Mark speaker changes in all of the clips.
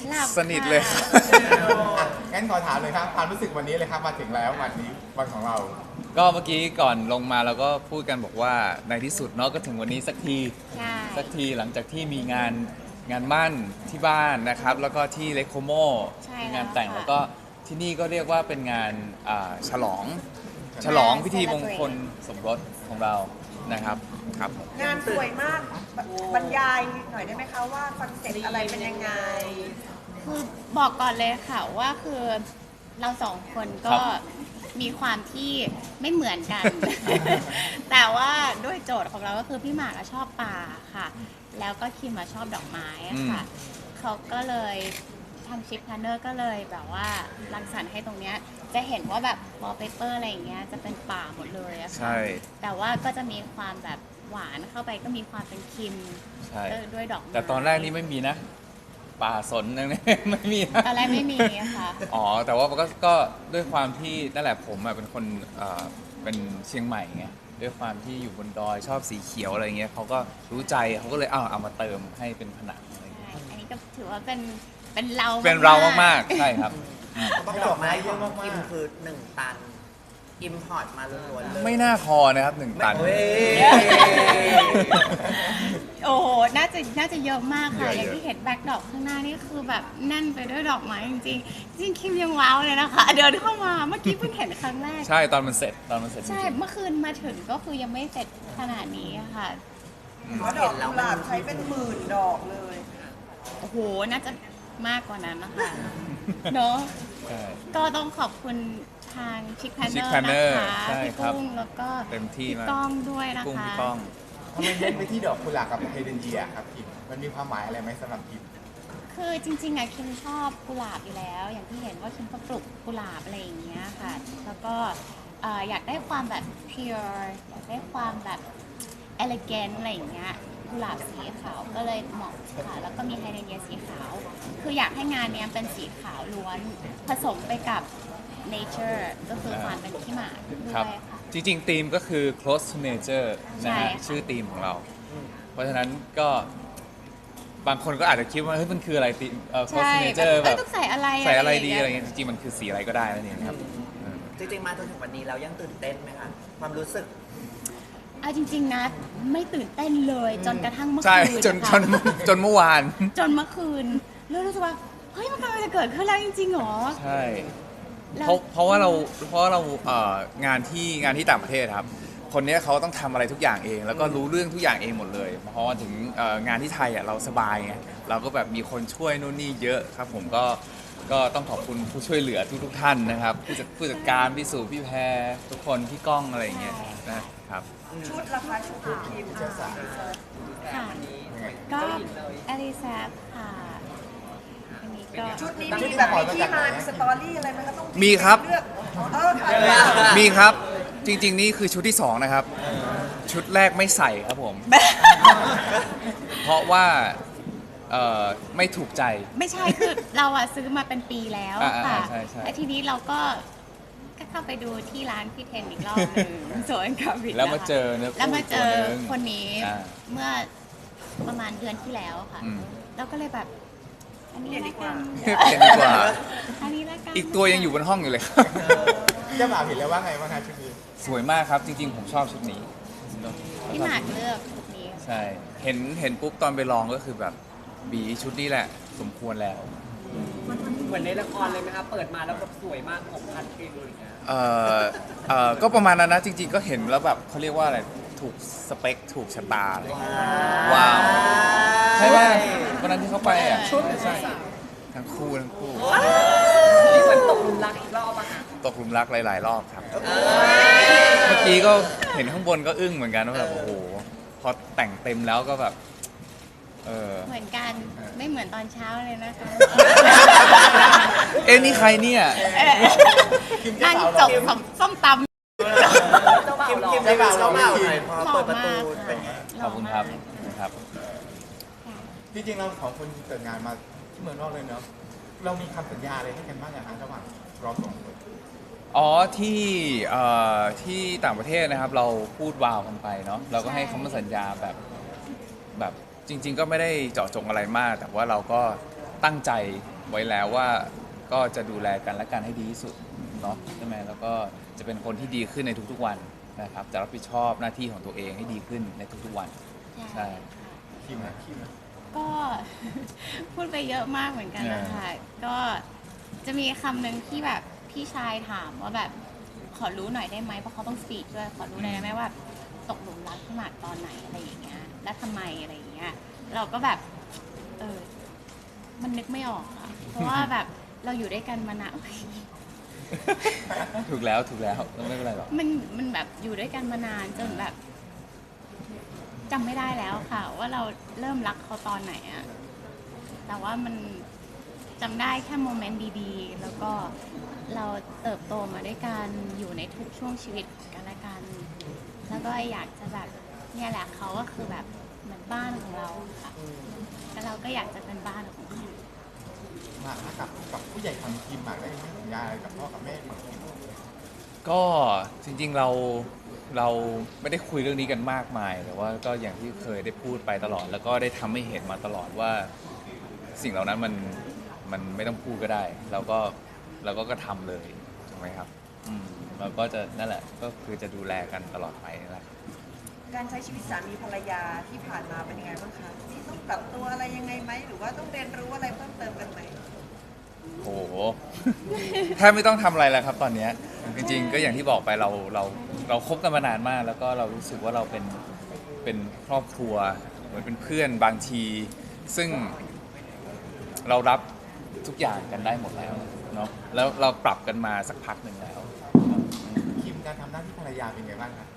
Speaker 1: หลับ
Speaker 2: สนิทเลยครับ
Speaker 3: งั้นขอถามเลยครับความรู้สึกวันนี้เลยครับมาถึงแล้ววันนี้วันของเรา
Speaker 2: ก็เมื่อกี้ก่อนลงมาเราก็พูดกันบอกว่าในที่สุดเนาะก็ถึงวันนี้สักที
Speaker 1: ใช่
Speaker 2: หลังจากที่มีงานมั่นที่บ้านนะครับ แล้วก็ที่เลโคโม
Speaker 1: ใช่
Speaker 2: มีงานแต่ง
Speaker 1: ค่ะ
Speaker 2: แล้วก็ที่นี่ก็เรียกว่าเป็นงานฉลองพิธีมงคลสมรสของเรานะครับครับผม
Speaker 4: งานสวยมากบรรยายหน่อยได้ไหมคะว่าคอนเซ็ปต์อะไรเป็นยังไง
Speaker 1: คือบอกก่อนเลยค่ะว่าคือเราสองคนก็มีความที่ไม่เหมือนกัน แต่ว่าด้วยโจทย์ของเราก็คือพี่หมากอะชอบป่าค่ะ แล้วก็คิมอะชอบดอกไม้อะค่ะเขาก็เลยทางชิปพลนเนอร์ก็เลยแบบว่ารังสรรค์ให้ตรงเนี้ยจะเห็นว่าแบบวอลเปเปอร์อะไรอย่างเงี้ยจะเป็นป่าหมดเลยอะค่ะ
Speaker 2: ใช่
Speaker 1: แต่ว่าก็จะมีความแบบหวานเข้าไปก็มีความเป็นคิม
Speaker 2: ใช่
Speaker 1: ด้วยดอกไม้
Speaker 2: แต่ตอนแรกนี่ไม่มีนะ ป่าสนนั่น ไม่มีนะ
Speaker 1: ตอนแรกไม่มีอะค่ะ
Speaker 2: อ๋อแต่ว่าก็ด้วยความที่นั่นแหละผมเป็นคนเป็นเชียงใหม่ไงด้วยความที่อยู่บนดอยชอบสีเขียวอะไรเงี้ยเขาก็รู้ใจเขาก็เลยเอามาเติมให้เป็นผนังอะไรเงี้ย
Speaker 1: ใช่อันนี้ก็ถือว่าเป็นเรา
Speaker 2: เป็นเรามากๆใช่ครับ
Speaker 3: ต้องดอกไม้เยอะมาก
Speaker 5: คิมคือ1 ตัน อิมพอร์ตมาล้วนๆเลย
Speaker 2: ไม่น่าพอนะครับ1 ตัน
Speaker 5: เฮ้ย
Speaker 1: โอ้โหน่าจะเยอะมากค่ะ
Speaker 2: เยอะๆ
Speaker 1: อย่างที่เห็นแบ็คดอกข้างหน้านี่คือแบบแน่นไปด้วยดอกไม้จริงๆจริงคิมยังว้าวเลยนะคะ เดินเข้ามาเมื่อกี้เพิ่งเห็นครั้งแรก
Speaker 2: ใช่ตอนมันเสร็จจ
Speaker 1: ใช่
Speaker 2: ริง
Speaker 1: เมื่อคืนมาถึงก็คือยังไม่เสร็จขนาดนี้อะค่ะ
Speaker 4: เพราะดอกกุหลาบใช้เป็นหมื่นดอกเลย
Speaker 1: โอ้โหน่าจะมากกว่านั้นนะคะเนาะ
Speaker 2: ๆใช่
Speaker 1: ก็ต้องขอบคุณทางชิคแพนเนอ
Speaker 2: Chick
Speaker 1: ร์
Speaker 2: Planner
Speaker 1: นะคะ
Speaker 2: ใช่
Speaker 1: พี่
Speaker 2: ครับ
Speaker 1: กุ้งแล้วก็
Speaker 2: เต็มที่
Speaker 1: พี่
Speaker 2: มาก
Speaker 1: ก้องด้วยนะ
Speaker 2: กุ้ง
Speaker 1: คะ
Speaker 2: พี่ก้อง
Speaker 3: ทำไมเน้นไปที่ดอกกุหลาบกับไฮเดรนเยียครับคิมมันมีความหมายอะไรไหมสำหรับคิม
Speaker 1: คือจริงๆอะคิมชอบกุหลาบอยู่แล้ว อย่างที่เห็นว่าคิมก็ปลูกกุหลาบอะไรอย่างเงี้ยค่ะ แล้วก็อยากได้ความแบบ pure อยากได้ความแบบ elegant อะไรอย่างเงี้ยกุหลาบสีขาวก็เลยเหมาะค่ะ แล้วก็มีไฮเดรนเยียสีขาว คืออยากให้งานเนี้ยเป็นสีขาวล้วน ผสมไปกับ nature ก็คือความเป็นขี้หมาด้
Speaker 2: ครั
Speaker 1: ว
Speaker 2: บ
Speaker 1: ยค่ะ
Speaker 2: จริงๆธีมก็คือ close to nature นะ
Speaker 1: ใช่
Speaker 2: ฮะ
Speaker 1: ค่ะ
Speaker 2: ชื่อธีมของเรา เพราะฉะนั้นก็บางคนก็อาจจะคิดว่าเฮ้ยมันคืออะไรธีมclose
Speaker 1: ใช่
Speaker 2: to nature
Speaker 1: แบบ
Speaker 2: แบบ
Speaker 1: ต้องใส่อะไร
Speaker 2: ใส่อะไรดี
Speaker 1: เงี้ย
Speaker 2: อะไรเงี้ยจริงๆมันคือสีอะไรก็ได้นั่นเองครับ
Speaker 5: จริงๆ มาจนถึงวันนี้เรายังตื่นเต้นไหมคะ ความรู้สึก
Speaker 1: เอาจริงๆนะไม่ตื่นเต้นเลยจนกระทั่งเมื่อ
Speaker 2: ใช่
Speaker 1: คืน
Speaker 2: จน
Speaker 1: นะคะ
Speaker 2: จนเมื่อวาน
Speaker 1: จนเมื่อคืนแล้วรู้สึกว่าเฮ้ยมันกำลังจะเกิดขึ้นแล้วจริงๆเหรอ
Speaker 2: ใช่
Speaker 1: แล้ว
Speaker 2: เพราะว่าเรางานที่ต่างประเทศครับ คนเนี้ยเขาต้องทำอะไรทุกอย่างเอง แล้วก็รู้เรื่องทุกอย่างเองหมดเลยเพราะว่าถึงงานที่ไทยอ่ะเราสบายไงเราก็แบบมีคนช่วยนู่นนี่เยอะครับ ผมก็ต้องขอบคุณผู้ช่วยเหลือทุกท่านนะครับผู้จัดการพี่สุพี่แพรทุกคนพี่ก้องอะไรอย่างเงี้ยนะครับ
Speaker 4: ชุดราคาชุดของคิม
Speaker 1: ค่ะก็อลิซาค่ะอันนี้ก็
Speaker 4: ชุดนี้มีแบบมีที่มามีสตอรี่อะไรไหมคะต้อง
Speaker 2: มีครับ
Speaker 4: เลือกค่ะ
Speaker 2: มีครับจริงๆนี่คือชุดที่สองนะครับ ชุดแรกไม่ใส่ครับผม เพราะว่าไม่ถูกใจ
Speaker 1: ไม่ใช่คือเราอะซื้อมาเป็นปีแล้วค่ะ
Speaker 2: ใช่ใช่
Speaker 1: แล้วทีนี้เราก็เข้าไปดูที่ร้านพี่เทนอีกรอบหนึ่งสวนกับวิท
Speaker 2: แล้วมาเจอเนื้อ
Speaker 1: แล้ว
Speaker 2: คู่
Speaker 1: มาเจ
Speaker 2: ตัว
Speaker 1: อ
Speaker 2: หนึง
Speaker 1: คนนี้
Speaker 2: อ่า
Speaker 1: เมื่อประมาณเดือนที่แล้วค่ะ
Speaker 2: อืม
Speaker 1: เราก็เลยแบบ อันนี้ละกัน
Speaker 2: เปลี่ยนดีกว่า
Speaker 1: อันนี้ละกัน
Speaker 2: อีกตัวยังอยู่บนห้องอยู่เลยครับ
Speaker 3: เจ้าบ่าวเห็นแล้วว่าไงบ้างคะชุดนี้
Speaker 2: สวยมากครับ จริงๆ ผมชอบชุดนี้
Speaker 1: พี่หมากเลือกชุดนี้
Speaker 2: ใช่ เห็นปุ๊บตอนไปลองก็คือแบบบีชุดนี้แหละ สมควรแล้ว
Speaker 6: เหมือนในละครเลยไหมคะเปิดมาแล้วแบบสวยมากผมพันเพลงเลยนะ
Speaker 2: ก็ประมาณนั้นนะ จริงๆ ก็เห็นแล้วแบบเขาเรียกว่าอะไร ถูกสเปค ถูกชะตาเลยว้าว ใช่ไหมวันนั้นที่เขาไปอ่ะใช่ทั้งคู่
Speaker 6: นี่เหมือนตกหลุมรักอีกรอบอะค่ะ
Speaker 2: ตกหลุมรักหลายๆ รอบครับ เมื่อกี้ก็เห็นข้างบนก็อึ้งเหมือนกันว่าแบบโอ้โห พอแต่งเต็มแล้วก็แบบ
Speaker 1: เหมือนกันไม่เหมือนตอนเช้าเลยนะคะ
Speaker 2: เอ๊ะนี่ใครเนี่ย
Speaker 3: คิมเจ้า
Speaker 1: นั่ง
Speaker 3: บ่าว
Speaker 1: จ
Speaker 3: เรา
Speaker 1: บส้มตำ
Speaker 5: คิมได้แบบเจ้าบ่าวหน่อยพอ
Speaker 1: หล่อ
Speaker 5: เปิดประตู
Speaker 1: มาก
Speaker 5: เป็นไง
Speaker 1: ค่ะ
Speaker 2: ขอบคุณครับ
Speaker 1: หล่
Speaker 2: ข
Speaker 1: อ
Speaker 2: อบ
Speaker 1: มาก
Speaker 2: คุณครับ
Speaker 3: จริงๆเราสองคนเกิดงานมาที่เมืองนอกเลยเนาะเรามีคำสัญญาอะไรให้กันบ้างอย่างระหว่างเราสองคน
Speaker 2: อ๋อที่ต่างประเทศนะครับ เราพูดวาวกันไปเนาะเราก็ให้คำมั่นสัญญาแบบจริง ๆ ก็ไม่ได้เจาะจงอะไรมาก แต่ว่าเราก็ตั้งใจไว้แล้วว่าก็จะดูแลกันและกันให้ดีที่สุดเนาะใช่ไหมแล้วก็จะเป็นคนที่ดีขึ้นในทุกๆวันนะครับจะรับผิดชอบหน้าที่ของตัวเองให้ดีขึ้นในทุกๆวัน ใช่
Speaker 3: คิมนะคิมนะ
Speaker 1: ก็ พูดไปเยอะมากเหมือนกันนะคะก็จะมีคำหนึ่งที่แบบพี่ชายถามว่าแบบขอรู้หน่อยได้ไหมเพราะเขาต้องสปีดด้วยขอรู้หน่อยได้ไหมว่าตกหลุมรักพี่หมากตอนไหนอะไรอย่างเงี้ยและทำไมอะไรอย่างเงี้ยเราก็แบบมันนึกไม่ออกค่ะเพราะว่าแบบเราอยู่ด้วยกันมานาน
Speaker 2: ถูกแล้วก็ไม่เป็นไรหรอก
Speaker 1: มันแบบอยู่ด้วยกันมานานจนแบบจำไม่ได้แล้วค่ะ ว่าเราเริ่มรักเขาตอนไหนอะแต่ว่ามันจำได้แค่โมเมนต์ดีๆ แล้วก็เราเติบโตมาด้วยกันอยู่ในทุกช่วงชีวิตของกันและกัน แล้วก็อยากจะแบบเนี่ยแหละเขาก็คือแบบเหมือนบ้านของเราค่ะแล้วเราก็อยากจะเป็นบ้านของเขา
Speaker 3: มากับผู้ใหญ่ของคิมมาได้ให้สัญญาอะไรกับพ่อกับแม่ของคิม
Speaker 2: ก็จริงๆเราไม่ได้คุยเรื่องนี้กันมากมายแต่ว่าก็อย่างที่เคยได้พูดไปตลอด แล้วก็ได้ทำให้เห็นมาตลอดว่าสิ่งเหล่านั้นมันไม่ต้องพูดก็ได้เราก็ทำเลยถูกไหมครับเราก็จะนั่นแหละก็คือจะดูแลกันตลอดไปนั่นแหละ
Speaker 4: การใช้ชีวิตสามีภรรยาที่ผ่านมาเป็นยังไงบ้างคะมีต้องปรับตัวอะไรยังไงไหมหรือว่าต้องเรียนรู้อะไรเพิ่มเติมกันไหม
Speaker 2: โอ้โห แทบไม่ต้องทำอะไรแล้วครับตอนเนี้ยจริงๆก็อย่างที่บอกไปเราคบกันมานานมาก แล้วก็เรารู้สึกว่าเราเป็นครอบครัวเหมือนเป็นเพื่อนบางที ซึ่งเรารับทุกอย่างกันได้หมดแล้วเนาะแล้วเราปรับกันมาสักพักหนึ่งแล้ว
Speaker 3: คิมการทำหน้าที่ภรรยาเป็นไงบ้างครับ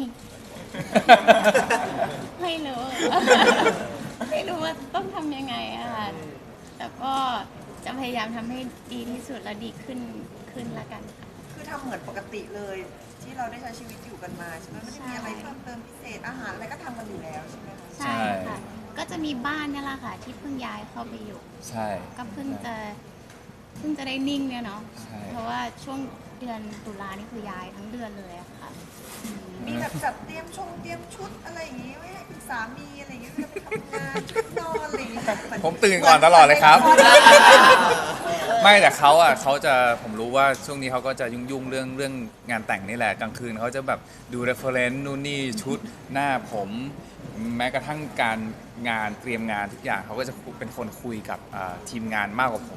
Speaker 1: ไม่รู้ ไม่รู้ว่าต้องทำยังไงอะค่ะแต่ก็จะพยายามทำให้ดีที่สุดและดีขึ้นละกันค่ะ
Speaker 4: คือทำเหมือนปกติเลย ที่เราได้ใช้ชีวิตอยู่กันมาใช่ไหมไม่ได้มีอะไรเพิ่มเติมพิเศษอาหารอะไรก็ทำกันอยู่แล้วใช่ไหมคะ
Speaker 1: ใช่ค่ะ ก็จะมีบ้านเนี่ยแหละค่ะ ที่เพิ่งย้ายเข้าไปอยู่
Speaker 2: ใช่
Speaker 1: ก็เพิ่งจะได้นิ่งเนี่ยเนาะ
Speaker 2: ใช่
Speaker 1: เพราะว่าช่วงเดือนตุลานี่คือย้ายทั้งเดือนเลยอะค่ะ
Speaker 4: มีแบบจัดเตรียมชุดอะไรอย่างงี้ไว้ให้คุณสามีอะไรอย่างเงี้ยเวลาไปทำงานชุดนอนอะไรอย่างเงี้ยเห
Speaker 2: ผมตื่นก่อนตลอดเลยครับ
Speaker 4: หมือนละคร
Speaker 2: ไม่แต่เขาจะผมรู้ว่าช่วงนี้เขาก็จะยุ่งเรื่องงานแต่งนี่แหละกลางคืนเขาจะแบบดู reference นู่นนี่ชุดหน้าผมแม้กระทั่งการงานเตรียมงานทุกอย่างเขาก็จะเป็นคนคุยกับทีมงานมากกว่าผม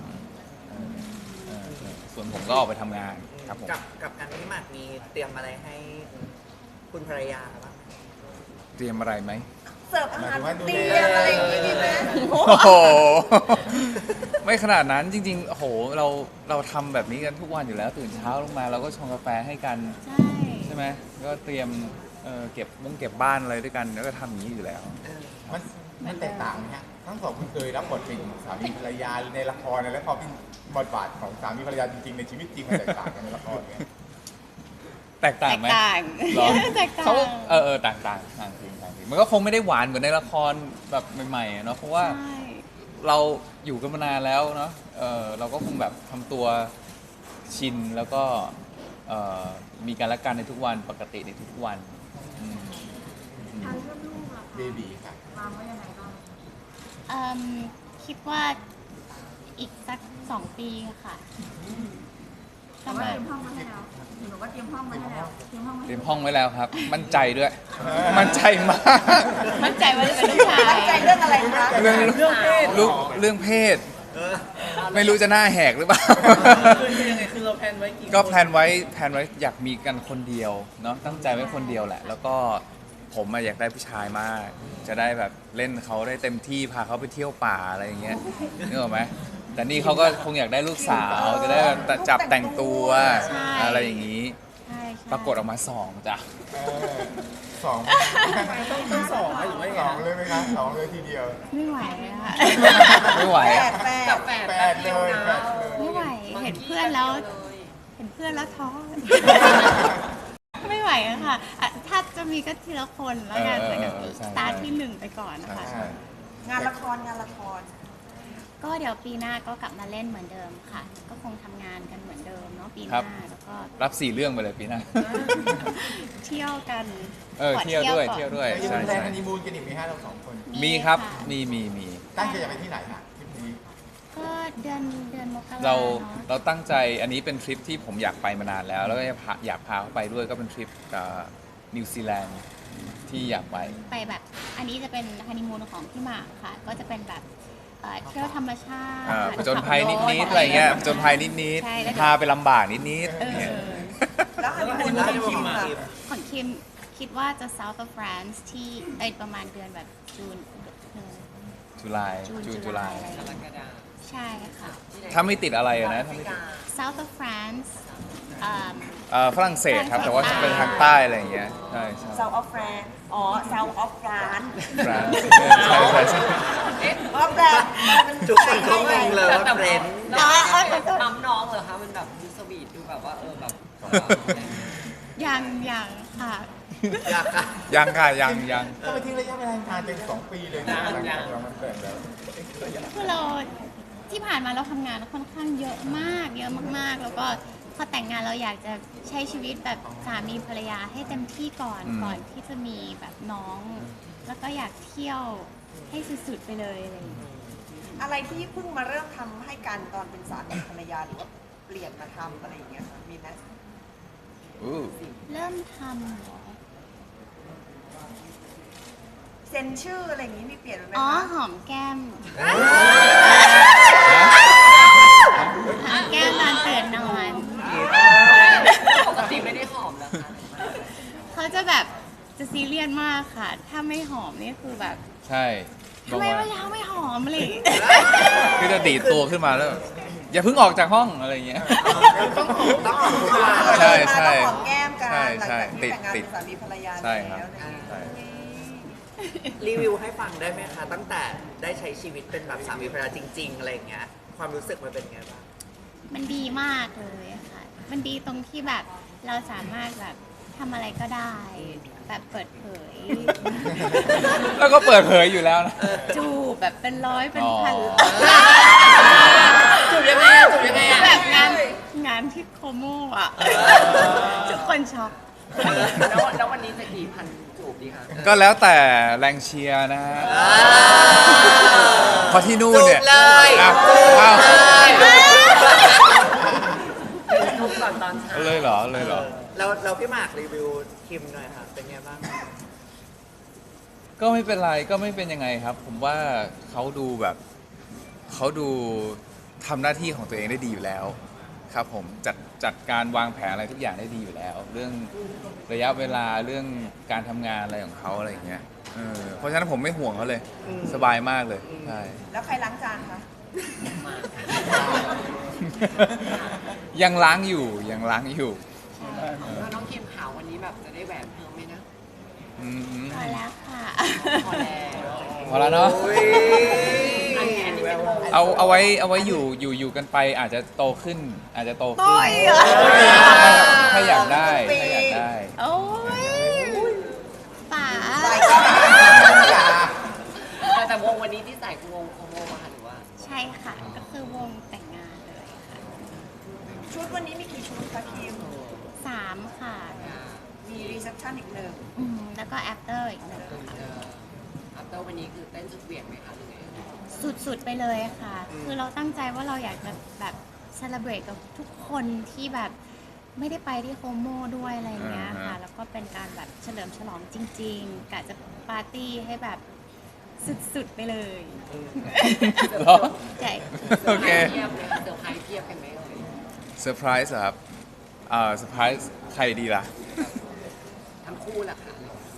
Speaker 2: ส่วนผมก็ออกไปทำงานครับผม
Speaker 5: กับการที่หมากมีเตรียมอะไรให้คุณภรรยาบ้างไหม
Speaker 2: เตรียมอะไรไหม
Speaker 4: เสิร์ฟอาหารเตรียมอะไรอย่างงี้มีไหม
Speaker 2: โอ้โห ไม่ขนาดนั้นจริงๆโอ้โหเราทำแบบนี้กันทุกวันอยู่แล้วตื่นเช้าลงมาเราก็ชงกาแฟให้กัน
Speaker 1: ใช่
Speaker 2: ใช่ไหมก็เตรียมเก็บบ้านอะไรด้วยกันแล้วก็ทำอย่างนี้อยู่แล้ว
Speaker 3: มันแตกต่างไหมฮะทั้งสองคนเคยรับบทเป็นสามีภรรยาในละครแล้วพอเป็นบทบาทของสามีภรรยาจริงๆในชีวิตจริงมันแตกต่างกันในละครเนี่ย
Speaker 2: แตกต่างไหม
Speaker 1: ต่าง
Speaker 2: เหรอ
Speaker 1: แตกต่าง
Speaker 2: เขาต่างจริงมันก็คงไม่ได้หวานเหมือนในละครแบบใหม่ๆอะเนาะเพราะว่า
Speaker 1: ใช่
Speaker 2: เราอยู่กันมานานแล้วเนาะเราก็คงแบบทำตัวชินแล้วก็มีการละกันในทุกวันปกติในทุกวันอืม
Speaker 3: เบบีค่ะ
Speaker 1: คิดว่าอีกสัก2 ปีค่ะประมาณ
Speaker 2: เตรียมห้องไว้แล้วครับ มั่นใจด้วย มั่นใจมาก
Speaker 1: มั่นใจว่าจะเป็นลูกชาย
Speaker 4: มั่นใจเรื่องอะไรคะ
Speaker 2: เรื่องเพศไม่รู้จะหน้าแหกหรือเปล่า
Speaker 5: คือยังไงคือเราแพลนไว้กี่
Speaker 2: ก็แพลนไว้อยากมีกันคนเดียวเนาะตั้งใจไว้คนเดียวแหละ แล้วก็ผมอะอยากได้ผู้ชายมาก จะได้แบบเล่นเขาได้เต็มที่พาเขาไปเที่ยวป่าอะไรอย่างเงี้ยนึกออกไหมแต่นี่เขาก็คงอยากได้ลูกสาวจะได้แบบจับแต่งตัวอะไรอย่างนี้
Speaker 1: ใช่
Speaker 2: ปรากฏออกมา2จ้ะ
Speaker 3: สอง
Speaker 5: ต้องสองไหมหรือว่ายัง
Speaker 3: ส
Speaker 5: ไง
Speaker 3: องเลยไหมคะสองเลยทีเดียว
Speaker 1: ไม่ไหวอะค่ะ
Speaker 2: ไม่ไหว
Speaker 4: แปด
Speaker 5: กับแฝด
Speaker 3: แป
Speaker 5: แป๊
Speaker 3: ด
Speaker 5: บ
Speaker 3: เล
Speaker 5: เดียวย นะ
Speaker 3: แปดเลย
Speaker 1: ไม่ไหวเห็นเพื่อนแล้วท้อ ไม่ไหวอะค่ะอ่ะถ้าจะมีก็ทีละคนแล้วกันแต่ก็
Speaker 2: ใช่
Speaker 1: สตาร์ทที่1ไปก่อนนะคะ
Speaker 2: ใช่
Speaker 4: งานละคร
Speaker 1: ก็เดี๋ยวปีหน้าก็กลับมาเล่นเหมือนเดิมค่ะ ก็คงทำงานกันเหมือนเดิมเนาะปีห
Speaker 2: ครั
Speaker 1: น้า
Speaker 2: บ
Speaker 1: แล้วก็
Speaker 2: รับ4เรื่องไปเลยปีหน้า
Speaker 1: เที่ยวกัน ขอ
Speaker 2: เที่ยวด้วย
Speaker 1: ก่อน
Speaker 2: เที่ยวด้วย
Speaker 3: แล้วยัง
Speaker 2: ใช่
Speaker 3: มีแพลน
Speaker 2: ใช่
Speaker 3: ฮันนีมูนกันอีกไหมฮะเราสองคน
Speaker 2: มีครับ
Speaker 1: ะ
Speaker 2: มี
Speaker 3: ตั้งใจจะไปที่ไหนฮะทริปนี้
Speaker 1: ก็เดือนมกรา
Speaker 2: เรา
Speaker 1: เนาะ
Speaker 2: เราตั้งใจอันนี้เป็นทริปที่ผมอยากไปมานานแล้ว แล้วก็อยากพาเขาไปด้วยก็เป็นทริปนิวซีแลนด์ที่อยากไป
Speaker 1: ไปแบบอันนี้จะเป็นฮันนีมูนของพี่หมากค่ะ ก็จะเป็นแบบเที่ยวธรรมชาติ
Speaker 2: ผจญภัยนิดๆอะไรเงี้ยผจญภัยนิด
Speaker 1: ใช่แล้ว
Speaker 2: ๆพาไปลำบากนิด
Speaker 1: เออ
Speaker 2: ๆเนี่ย
Speaker 4: แล้วฮันนีมูนของคิมอะ
Speaker 1: ของคิมคิดว่าจะ South of France ที่ประมาณเดือนแบบจูน
Speaker 2: จุลาย
Speaker 1: จุลาย
Speaker 2: จุลาย
Speaker 1: อะไร
Speaker 6: กรกฎาคม
Speaker 1: ใช่ค่ะ
Speaker 2: ถ้าไม่ติดอะไรอะนะ
Speaker 6: แอฟริกา
Speaker 1: South of France
Speaker 2: ฝรั่งเศสครับ แต่ว่าจะเป็นทางใต้อะไรอย่างเงี้ยใช่ใช่
Speaker 4: South of France อ๋อ South of France
Speaker 2: ฟรานซ์ใช่ใช่ใช่
Speaker 4: ออฟแบบมัน
Speaker 5: ทุกคนก็งงเลยว่าเฟรนด์
Speaker 6: ปั๊มน้องเหรอคะมันแบบดูสวีทดูแบบว่าแบบ
Speaker 1: ยังค่ะ
Speaker 5: อยากค่ะ
Speaker 2: ยังค่ะยัง
Speaker 3: ก็ไปทิ้งระยะเวลานานเป็น2 ปีเลยนะหลังจากเรามันแต่งแล้ว
Speaker 1: คือเราที่ผ่านมาเราทำงานค่อนข้างเยอะมากแล้วก็พอแต่งงานเราอยากจะใช้ชีวิตแบบสามีภรรยาให้เต็มที่ก่อนที่จะมีแบบน้อง แล้วก็อยากเที่ยวให้สุดๆไปเลยอะไรอย่างเงี้ย
Speaker 4: อะไรที่เพิ่งมาเริ่มทำให้กันตอนเป็นสามีภรรยาหรือว่าเปลี่ยนมาทำอะไรอย่างเงี้ยค่ะมีไหม
Speaker 2: อู้
Speaker 1: เริ่มทำเหรอ
Speaker 4: เซ็นชื่ออะไรอย่างงี้มีเปลี่ยนไหม
Speaker 1: อ๋อ
Speaker 4: คะ
Speaker 1: หอมแก้มหอมแก้มตอนตื่นนอน
Speaker 6: ปกติไม่ได้หอมเหรอคะ
Speaker 1: เขาจะแบบจะซีเรียสมากค่ะ ถ้าไม่หอมนี่คือแบบ
Speaker 2: ใช่บ
Speaker 1: ทำ
Speaker 2: อก
Speaker 1: ไม
Speaker 2: ว่า
Speaker 1: เมื่อเช้าไม่หอมอะไรอย่างเลย
Speaker 2: คือจะดีดตัวขึ้นมาแล้ว อย่าเพิ่งออกจากห้องอะไรอย่างเงี้ย
Speaker 5: ต้องหอมทุกวัน
Speaker 2: ใช่ใช่
Speaker 4: หอมแก้มกัน
Speaker 2: ใช่
Speaker 4: หลัง
Speaker 2: ใช่
Speaker 4: จากที่แต่งงาน
Speaker 2: ติ
Speaker 4: เป็
Speaker 2: ด
Speaker 4: นสามีภรรยา
Speaker 2: ใช่
Speaker 4: แล้ว
Speaker 2: ครับ
Speaker 4: อะไรอย่างเงี้ย
Speaker 2: ใช่
Speaker 5: รีวิวให้ฟังได้ไหมคะ ตั้งแต่ได้ใช้ชีวิตเป็นแบบสามีภรรยาจริง ๆ อะไรอย่างเงี้ย ความรู้สึกมันเป็นไงบ้าง
Speaker 1: มันดีมากเลยค่ะ มันดีตรงที่แบบเราสามารถแบบทำอะไรก็ได้ แบบเปิดเผย
Speaker 2: แล้วก็เปิดเผยอยู่แล้วนะ
Speaker 1: จูบแบบเป็นร้อยเป็นพัน
Speaker 2: อ๋อ
Speaker 5: จูบยังไงอะจูบยังไงอะ
Speaker 1: แบบงานที่โคโมอ่ะ ทุกคนช็อก
Speaker 6: แล้ววันนี้จะกี่พันจูบดีคะ
Speaker 2: ก็แล้วแต่แรงเชียร์นะฮะเพราะที่นู่นเนี่ย
Speaker 5: จูบเลย
Speaker 2: อ้าว
Speaker 5: จูบ
Speaker 2: อ้าว
Speaker 5: เลย
Speaker 6: ทุกตอนเช้า
Speaker 2: เลยเหรอเลยเหรอ
Speaker 5: เราพี่หมากรีวิวคิมหน่อยค่ะ เป็นไงบ้าง
Speaker 2: ก็ไม่เป็นไรก็ไม่เป็นยังไงครับ ผมว่าเขาดูแบบเขาดูทำหน้าที่ของตัวเองได้ดีอยู่แล้ว ครับผมจัดการวางแผนอะไรทุกอย่างได้ดีอยู่แล้ว เรื่องระยะเวลาเรื่องการทำงานอะไรของเขาอะไรอย่างเงี้ยเพราะฉะนั้นผมไม่ห่วงเขาเลย สบายมากเลยใช่
Speaker 4: แล้วใครล้างจานคะ
Speaker 2: ยังล้างอยู่ยังล้างอยู่
Speaker 6: แล้วน้องคิมขาววันนี้แบบจะได้แหวนเพิ่มไหมนะ
Speaker 2: อืม
Speaker 1: พอแล้วค่ะ
Speaker 6: พอแล้ว
Speaker 2: พอแล้วเนาะ
Speaker 5: อุ๊ย
Speaker 6: อันนี้เป็นวง
Speaker 2: เอาไว้อยู่กันไปอาจจะโตขึ้น อาจจะโตขึ้น
Speaker 1: โอ้ยเหรอ
Speaker 2: ถ้าอยากได้ถ้าอยากได้
Speaker 1: โอ้ยป๋า
Speaker 6: แต่วงวันนี้ที่ใส่คือวงโคโมมาค่ะหรือว่า
Speaker 1: ใช่ค่ะ ก็คือวงแต่งงานเลยค่ะ
Speaker 4: ชุดวันนี้มีกี่ชุดคะคิม
Speaker 1: 3 ค่ะ
Speaker 4: มีรีเซพชันอีกหนึ่ง
Speaker 1: แล้วก็ after อีกหนึ่งค่ะ
Speaker 6: อัปเตอร์วันนี้คือเต้นสุดเหวี่ยงไหมคะหรือไง
Speaker 1: สุดๆไปเลยค่ะ คือเราตั้งใจว่าเราอยากจะแบบเซเลบรตกับทุกคนที่แบบไม่ได้ไปที่โฮโมด้วยอะไรอย่างเงี้ยค่ะ แล้วก็เป็นการแบบเฉลิมฉลองจริงๆกะจะปาร์ตี้ให้แบบสุดๆไปเลย
Speaker 2: เหรอ
Speaker 1: ใช่
Speaker 2: โอเค
Speaker 6: เทียบเลยเซอร์ไพรส์เทียบกันไหมเอ่ย
Speaker 2: เซอร์ไพรส์เหรอครับเซอร์ไพรส์ใครดีล่ะ
Speaker 6: ทั้งคู่แหละค่ะ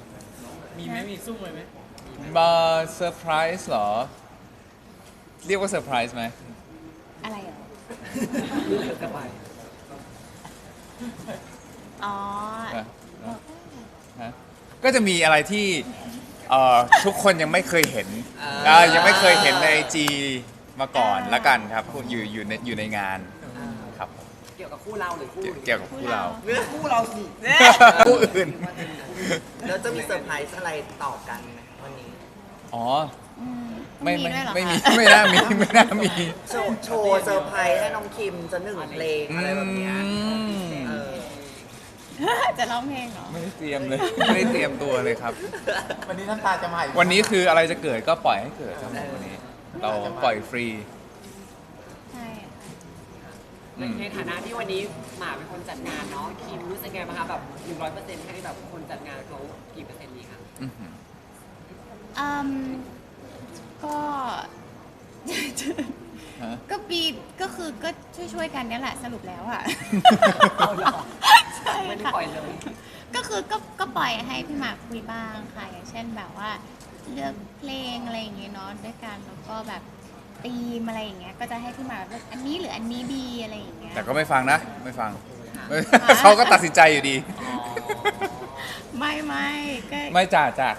Speaker 2: มาเซอร์ไพรส์เหรอ เรียกว่าเซอร์ไพรส์ไหม
Speaker 1: อะไรเหรอ
Speaker 6: สบาย
Speaker 1: อ๋อ
Speaker 2: อ่ะฮะก็จะมีอะไรที่ทุกคนยังไม่เคยเห็นยังไม่เคยเห็นในไอจีมาก่อนละกันครับอยู่ในงานครับ
Speaker 6: เกี่ยวกับคู่เราหรือคู่
Speaker 2: เกี่ยวกับคู่เรา
Speaker 5: เรื่องคู่เราสิ
Speaker 2: คู่อื่น
Speaker 5: แล้วจะมีเซอร์ไพรส์อะไรต่อกันไหมวันนี้
Speaker 2: อ๋อ
Speaker 1: ไม่
Speaker 2: ไม่
Speaker 1: ด้วยเหรอ
Speaker 2: ไม่มี
Speaker 1: คะ
Speaker 2: ไม่น่ามีไม่น่ามี
Speaker 5: โชว์เซอร์ไพรส์ให้น้องคิมจะ1 เพลงอะไรแบบเนี้ย เออ
Speaker 1: จะร้องเพลงเหรอ
Speaker 2: ไม่ได้เตรียมเลย ไม่ได้เตรียมตัวเลยครับ
Speaker 3: วันนี้น้ำตาจะมาอีก
Speaker 2: วันนี้คืออะไรจะเกิดก็ปล่อยให้เกิดครับผมวันนี้ เราปล่อยฟรี
Speaker 1: ใช่
Speaker 6: ในฐานะที่วันนี้หมากเป็นคนจัดงานเนาะคิมรู้สึกไงบ้างคะแบบ100%ให้แบบคนจัดงานเขากี่เปอร์เซ็นต์ดีคะ
Speaker 2: อื้อหือ
Speaker 1: อืมก็
Speaker 2: ฮะ
Speaker 1: ก็ปีก็คือก็ช่วยๆกันเนี่ยแหละสรุปแล้วอ่ะ
Speaker 6: เอาเหรอ
Speaker 1: ใช่
Speaker 6: ไม่ได้
Speaker 1: ค่ะ
Speaker 6: ปล่อยเลย
Speaker 1: ก็คือก็ปล่อยให้พี่หมากคุยบ้างค่ะ อย่างเช่นแบบว่าเลือกเพลงอะไรอย่างเงี้ยเนาะด้วยกันแล้วก็แบบธีมอะไรอย่างเงี้ยก็จะให้พี่หมากเลือกอันนี้หรืออันนี้ดีอะไรอย่างเงี้ย
Speaker 2: แต่ก็ไม่ฟังนะ ไม่ฟัง
Speaker 1: ค่ะ
Speaker 2: เขาก็ตัดสินใจอยู่ดี
Speaker 1: ไม่ก็
Speaker 2: ไม่จ่าจ่า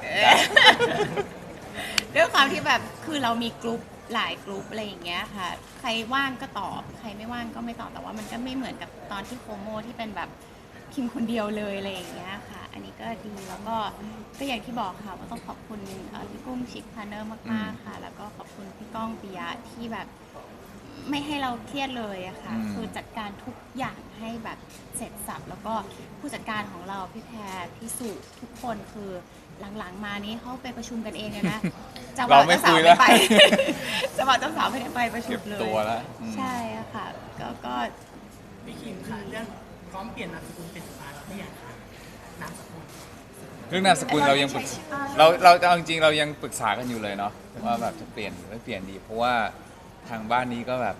Speaker 1: ด้วยความที่แบบคือเรามีกลุ่มหลายกลุ่มอะไรอย่างเงี้ยค่ะ ใครว่างก็ตอบ ใครไม่ว่างก็ไม่ตอบแต่ว่ามันก็ไม่เหมือนกับตอนที่โคโมที่เป็นแบบคิมคนเดียวเลยอะไรอย่างเงี้ยค่ะ อันนี้ก็ดีแล้วก็อย่างที่บอกค่ะว่าต้องขอบคุณพี่กุ้งชิคพาร์เนอร์มากๆค่ะ แล้วก็ขอบคุณพี่ก้องปิยะที่แบบไม่ให้เราเครียดเลยอะค่ะ คือจัดการทุกอย่างให้แบบเสร็จสับแล้วก็ผู้จัดการของเราพี่แพรพี่สุทุกคนคือหลังๆมานี้เขาไปประชุมกันเองเลยนะจะ
Speaker 2: เราไม่คุยแล้ว
Speaker 1: ไป จะบอกเจ้าสาวไม่ได้ไปประชุ
Speaker 2: เก็
Speaker 1: ม
Speaker 2: บ
Speaker 1: เลย
Speaker 2: ตัวแล้วอืม
Speaker 1: ใช่อะค่ะก็
Speaker 7: พี่คิมค่ะเรื่องพร้อมเปลี่ยนนามสกุลเป็นฟ้าแล้วไม่อยากค่ะนามสกุล
Speaker 2: เรื่องนามสกุลเรายังปรึกษาเราเอาจริงๆเรายังปรึกษากันอยู่เลยเนาะว่าแบบจะเปลี่ยนหรือไม่เปลี่ยนดี เพราะว่าทางบ้านนี้ก็แบบ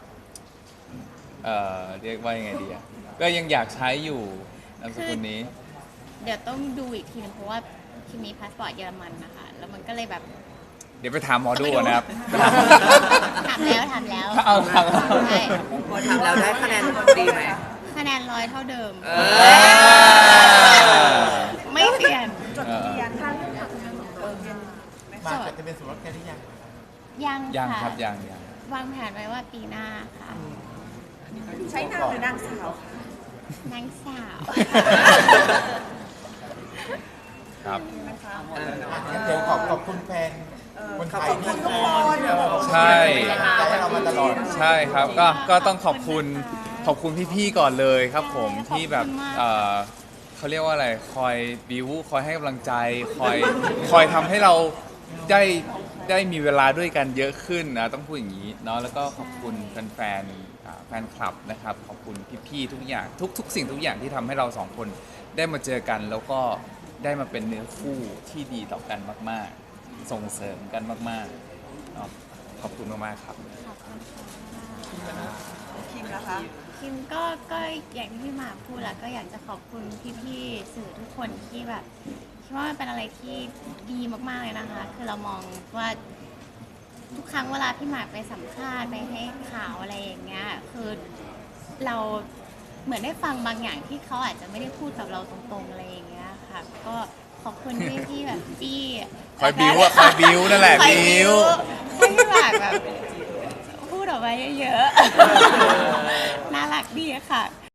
Speaker 2: เรียกว่ายังไงดีอะก็ยังอยากใช้อยู่นามสกุลนี้
Speaker 1: เดี๋ยวต้องดูอีกทีนึงเพราะว่าคิมมีพาสปอร์ตเยอรมันนะคะแล้วมันก็เลยแบบ
Speaker 2: เดี๋ยวไปถามหมอดูก่อนนะครับ
Speaker 1: ถามแล้ว
Speaker 2: เอาถาม
Speaker 1: ใช่
Speaker 5: พอทำแล้วได้คะแนนดีไหม
Speaker 1: คะแนน100เท่าเดิม
Speaker 5: เอ
Speaker 1: ไม่เปลี่ยน
Speaker 4: จดทะเบียนค่ะ
Speaker 3: มาจะเป็นสมรสกันหรือยัง
Speaker 1: ยัง
Speaker 2: ยัง
Speaker 1: ค่ะ
Speaker 2: ครับยัง
Speaker 1: วางแผนไว้ว่าปีหน้าค่ะ
Speaker 4: ใช้นามหรือนางสาวคะ
Speaker 1: นางสาว
Speaker 2: ครับ
Speaker 3: เดี๋ยวขอบคุณแฟนคนไทยที่
Speaker 4: ทุกคน
Speaker 2: ใช่
Speaker 3: เป็นกำลังใจให้เรามาตลอด
Speaker 2: ใช่ครับก็ต้องขอบคุณพี่ๆก่อนเลยครับผมที่แบบเขาเรียกว่าอะไรคอยบิวคอยให้กำลังใจคอยทำให้เราได้มีเวลาด้วยกันเยอะขึ้นนะต้องพูดอย่างนี้เนาะแล้วก็ขอบคุณแฟนคลับนะครับขอบคุณพี่ๆทุกอย่างทุกสิ่งทุกอย่างที่ทำให้เราสองคนได้มาเจอกัน แล้วก็ได้มาเป็นเนื้อคู่ที่ดีต่อกันมากๆ ส่งเสริมกันมากๆเนาะขอบคุณมากๆครับ
Speaker 1: ขอบคุณค่ะ
Speaker 4: คิมนะคะ
Speaker 1: คิมก็อย่างที่พี่หมากพูดแล้วก็อยากจะขอบคุณพี่ๆสื่อทุกคนที่แบบคิดว่ามันเป็นอะไรที่ดีมากๆเลยนะคะ คือเรามองว่าทุกครั้งเวลาพี่หมากไปสัมภาษณ์ไปให้ข่าวอะไรอย่างเงี้ยคือเราเหมือนได้ฟังบางอย่างที่เขาอาจจะไม่ได้พูดกับเราตรงๆอะไรอย่างเงี้ยค่ะก็ขอบคุณที่แบบจี้
Speaker 2: คอยบิ้วอะคอยบิ้วนั่นแหละ
Speaker 1: คอย
Speaker 2: บิ้ว
Speaker 1: ให้พี่หมากแบบพูดออกมาเยอะๆ น่ารักดีอะค่ะ